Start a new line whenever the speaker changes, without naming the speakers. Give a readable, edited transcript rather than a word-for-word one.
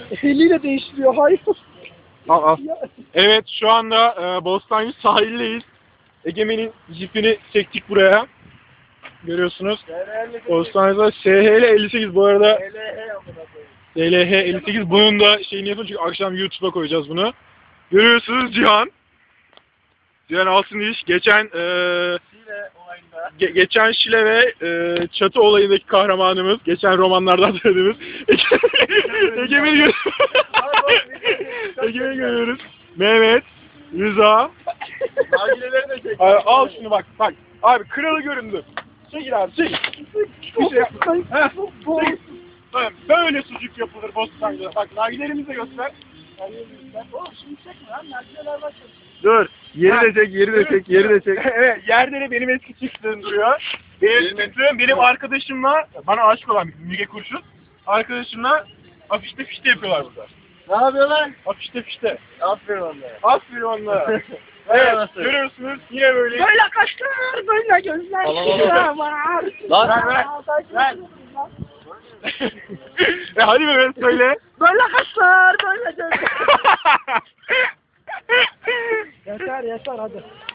Eliyle değiştiriyor. Hayır.
Al al. Evet şu anda Bostancı sahildeyiz. Egemen'in jipini çektik buraya. Görüyorsunuz. Bostancı'da SHL 58 bu arada. SLH 58 bunun da şeyini yapın çünkü akşam YouTube'a koyacağız bunu. Görüyorsunuz Cihan. Cihan Altındiş geçen geçen Şile ve Çatı olayındaki kahramanımız, geçen romanlardan tanıdığımız Egemen'i görüyoruz. Mehmet, Rıza. Al şunu bak. Abi kralı göründü. Çekil abi çekil. Bir şey yapma. Tamam, böyle sucuk yapılır Bostancı'da. Bak nargilerimizi de göster. Dur. Yeri de çek. Evet, yerde de benim eski çiftliğim duruyor. Benim çiftliğim benim arkadaşımla, bana aşık olan Müge Kurşun, arkadaşımla afişte fişte yapıyorlar burada.
Ne yapıyorlar?
Afişte fişte.
Aferin onlara.
Aferin onlara. Evet, görüyorsunuz yine böyle.
Böyle kaşlar, böyle gözler.
Ver. Hadi Mehmet söyle.
Böyle kaşlar, böyle gözler. Yeter hadi.